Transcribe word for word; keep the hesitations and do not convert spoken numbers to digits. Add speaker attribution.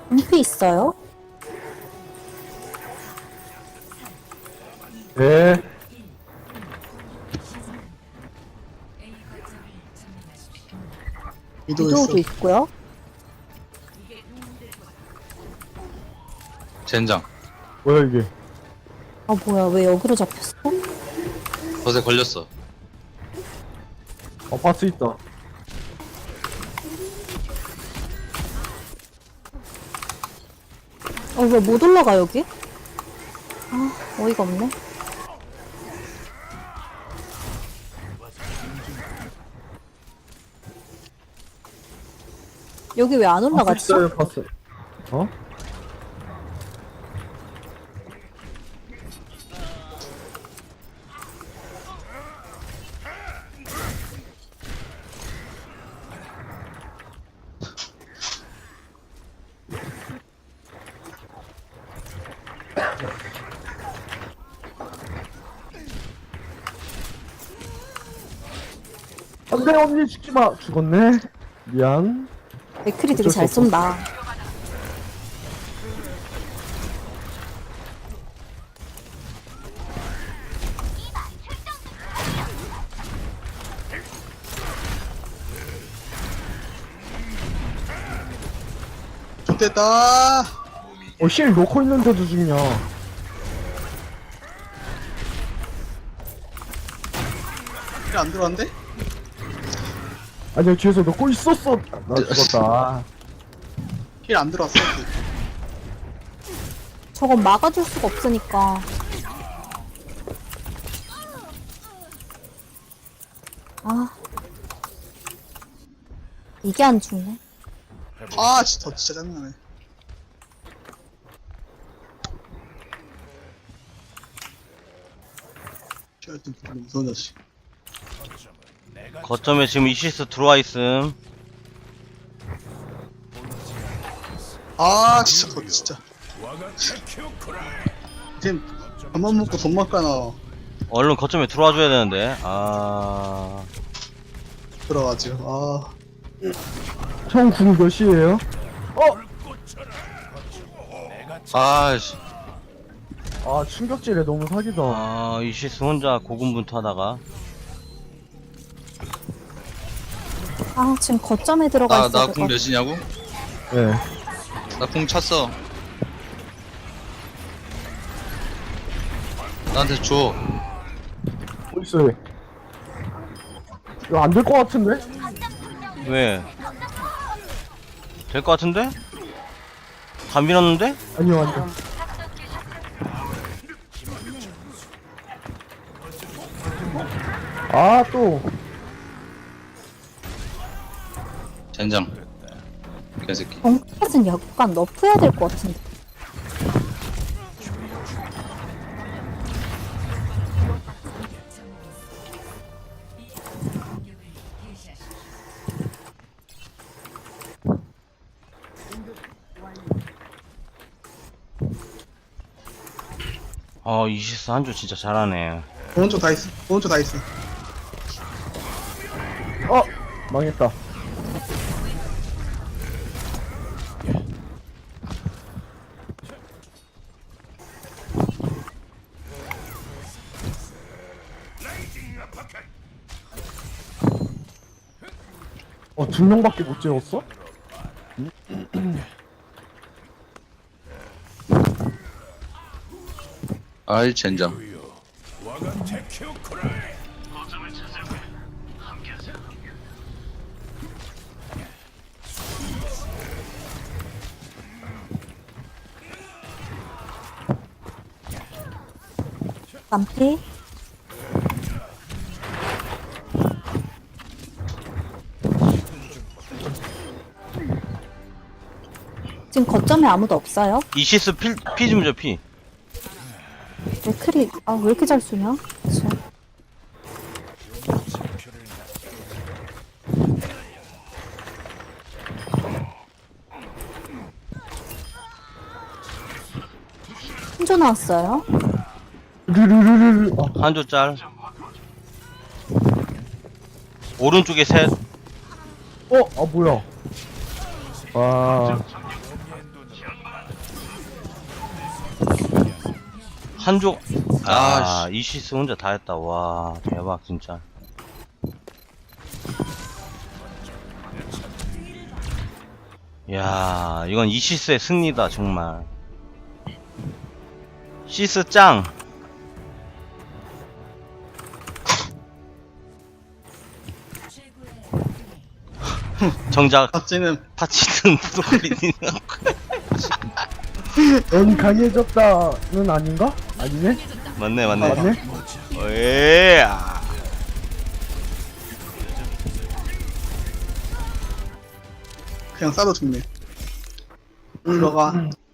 Speaker 1: 은피 있어요?
Speaker 2: 네.
Speaker 3: 위도 있어.
Speaker 1: 위도우도 있고요.
Speaker 4: 젠장.
Speaker 2: 뭐야 이게?
Speaker 1: 아 뭐야 왜 여기로 잡혔어?
Speaker 4: 덫에 걸렸어.
Speaker 2: 어 바스 있다.
Speaker 1: 어 왜 못 올라가 여기? 아 어이가 없네. 여기 왜 안
Speaker 2: 바스
Speaker 1: 올라가지?
Speaker 2: 있어요 바스. 어? 안돼 언니 죽지 마. 죽었네. 미안.
Speaker 1: 맥클이 되게
Speaker 2: 어쩔 수
Speaker 1: 잘
Speaker 2: 없어.
Speaker 1: 쏜다.
Speaker 3: 좋됐다.
Speaker 2: 어실 놓고 있는데도 죽냐?
Speaker 3: 안 들어왔는데?
Speaker 2: 아니야 뒤에서 놓고 있었어. 나 죽었다.
Speaker 3: 힐 안 들어왔어.
Speaker 1: 저건 막아줄 수가 없으니까. 아 이게 안 죽네.
Speaker 3: 아 진짜 진짜 짜증나네. 하여튼 무서운 자식.
Speaker 5: 거점에 지금 이시스 들어와 있음.
Speaker 3: 아 진짜 더 진짜. 지금 밥만 먹고 돈만 까나
Speaker 5: 얼른 거점에 들어와 줘야 되는데. 아,
Speaker 3: 들어가지고.
Speaker 2: 형궁 몇이에요?
Speaker 4: 아씨.
Speaker 2: 아 충격질에 너무 사기다.
Speaker 5: 아 이시스 혼자 고군분투하다가.
Speaker 1: 아 지금 거점에 들어가
Speaker 4: 나,
Speaker 1: 있어야
Speaker 4: 나
Speaker 1: 될
Speaker 4: 궁
Speaker 1: 것
Speaker 4: 몇이냐고?
Speaker 2: 네.
Speaker 4: 나 궁 찼어. 나한테 줘.
Speaker 2: 어딨어 얘? 이거 안 될 것 같은데?
Speaker 5: 왜? 될 것 같은데? 다 밀었는데?
Speaker 2: 아니요 아니요. 아 또.
Speaker 4: 젠장. 개새끼.
Speaker 1: 정크까지는 약간 너프해야 될 것 같은데.
Speaker 5: 어 이시스 한조 진짜 잘하네.
Speaker 3: 오른쪽 다 있어. 오른쪽 다 있어.
Speaker 2: 어 망했다. 어 두 명밖에 못 재웠어?
Speaker 4: 아이 젠장.
Speaker 1: 남피 지금 거점에 아무도 없어요?
Speaker 5: 이시스 피, 피 좀 줘, 피.
Speaker 1: 맥클이 아 왜 이렇게 잘 쏘냐? 참. 혼자 나왔어요?
Speaker 2: 르르르르르. 아,
Speaker 5: 한조 짤. 오른쪽에 셋.
Speaker 2: 어? 아 뭐야? 아
Speaker 5: 한조 아,
Speaker 4: 아,
Speaker 5: 이시스 혼자 다 했다. 와, 대박 진짜. 야, 이건 이시스의 승리다 정말. 시스 짱. 정작
Speaker 3: 박쥐는
Speaker 5: 파치는 부도리니.
Speaker 2: 넌 강해졌다는 아닌가? 아니네?
Speaker 5: 맞네,
Speaker 2: 아,
Speaker 5: 맞네.
Speaker 2: 맞네?
Speaker 5: 에이, 아.
Speaker 3: 그냥 싸도 죽네. 들어가.